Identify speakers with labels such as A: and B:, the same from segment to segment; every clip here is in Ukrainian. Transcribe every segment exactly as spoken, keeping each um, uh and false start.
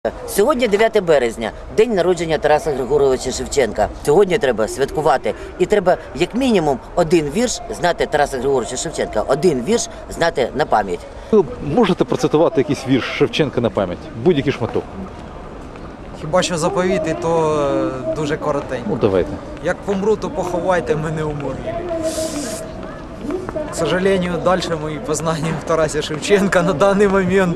A: Сьогодні дев'яте березня, день народження Тараса Григоровича Шевченка. Сьогодні треба святкувати. І треба, як мінімум, один вірш знати Тараса Григоровича Шевченка. Один вірш знати на пам'ять.
B: Ви можете процитувати якийсь вірш Шевченка на пам'ять? Будь-який шматок.
C: Хіба що заповіти, то е, дуже коротенько.
B: Ну, давайте.
C: Як помру, то поховайте мене у могилі. К сожалению, дальше мои познания в Тарасе Шевченка на данный момент.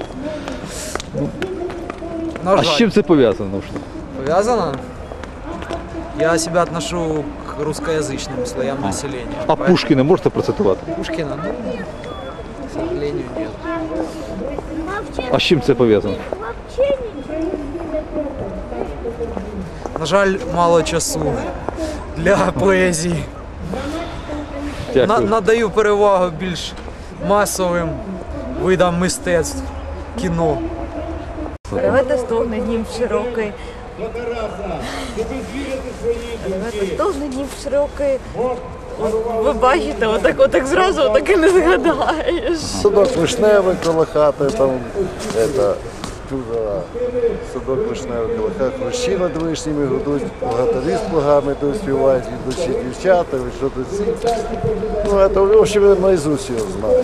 C: На
B: А
C: жаль.
B: з чим це пов'язано?
C: Повязано? Я себя отношу к русскоязычным слоям населения.
B: А
C: Поэтому
B: Пушкіна можете процитувати?
C: Пушкина, ну, к сожалению, нет.
B: А з чим це пов'язано?
C: На жаль, мало часу для поезії. На,
B: Дякую.
C: надаю перевагу більш масовим видам мистецтв, кіно.
D: Ревете стогне днів широкий. Ревете стогне днів широкий. Ви бачите, отак, отак зразу отак і не згадаєш.
E: Садок вишневий коло хати, там, это, чудо, садок вишневий коло хати, хрущі над вишнями гудуть, богатирі з плугами йдуть, співають, ідучі дівчата, ви що тут ці. Ну, это, в общем, наизусть його знаю.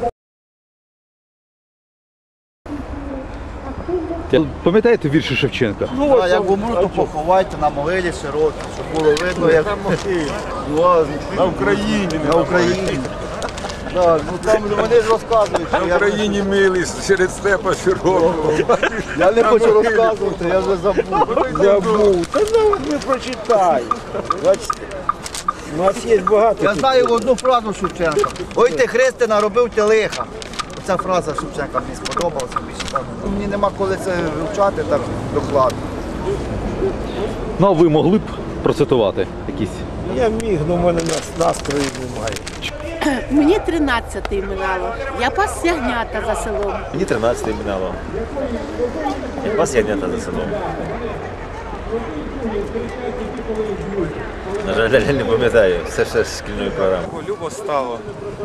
B: Пам'ятаєте вірші Шевченка?
F: Ну, а як умру, то поховайте на могилі широкій, щоб було видно, як ну,
E: На Україні,
F: на Україні. Так, ну там вони ж розказують, що
G: В
F: я,
G: Україні милий, серед степа широкого.
F: я не хочу розказувати, я вже забув.
E: Забув. Та ну, ви прочитай. Бачите, у нас є багато.
F: Я знаю одну фразу Шевченка. Ой ти, Христе, наробив ти лиха. Ця фраза Шевченка мені сподобалася більше. Так. Ну, мені нема коли це вивчати так докладно.
B: Ну, а ви могли б процитувати якісь?
E: Я міг, але в мене нас- настрою немає.
H: Мені тринадцятий минало. Я пас ягнята за селом.
I: Мені тринадцятий минало. Я пас ягнята за селом. На жаль, я не пам'ятаю. Все ще з шкільної програми.
G: Любо стало.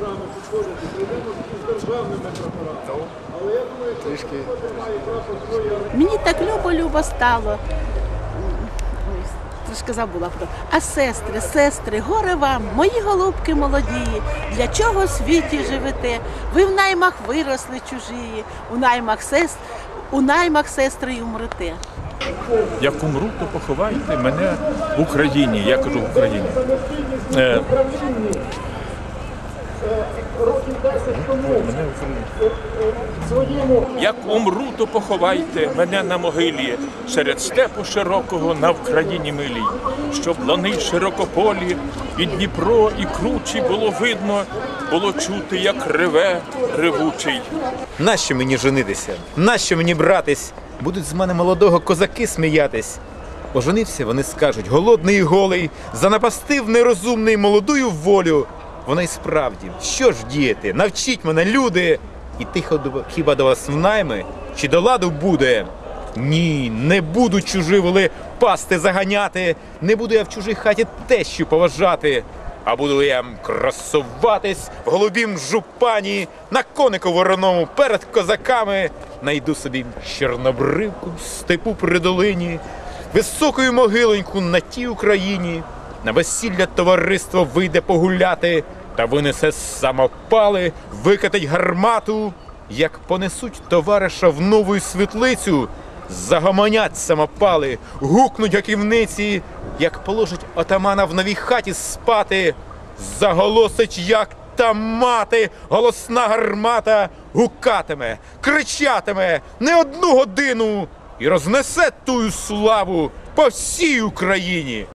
H: Мені так любо-любо стало. Ой, трошки забула про. А сестри, сестри, горе вам, мої голубки молодії, для чого в світі живете? Ви в наймах виросли чужії, у наймах сестр, у наймах сестри й умрете.
G: Як умру, то поховайте мене в Україні. Я кажу в Україні. Е, Як умру, то поховайте мене на могилі, серед степу широкого на Вкраїні милій, щоб лани широкополі, і Дніпро, і кручі було видно, було чути, як реве ревучий.
J: Нащо мені женитися? Нащо мені братись? Будуть з мене молодого козаки сміятись. Оженився, вони скажуть, голодний і голий, занапастив нерозумний молодую волю. Вона й справді, що ж діяти? Навчіть мене, люди! І тихо до- хіба до вас в найми? Чи до ладу буде? Ні, не буду чужі воли пасти заганяти, не буду я в чужій хаті тещу поважати, а буду я красуватись в голубім жупані, на конику вороному перед козаками, найду собі чорнобривку в степу при долині, високою могилоньку на тій Україні, на весілля товариство вийде погуляти, та винесе самопали, викатить гармату, як понесуть товариша в нову світлицю, загомонять самопали, гукнуть гаківниці, як положить отамана в новій хаті спати, заголосить, як та мати, голосна гармата гукатиме, кричатиме не одну годину і рознесе тую славу по всій Україні.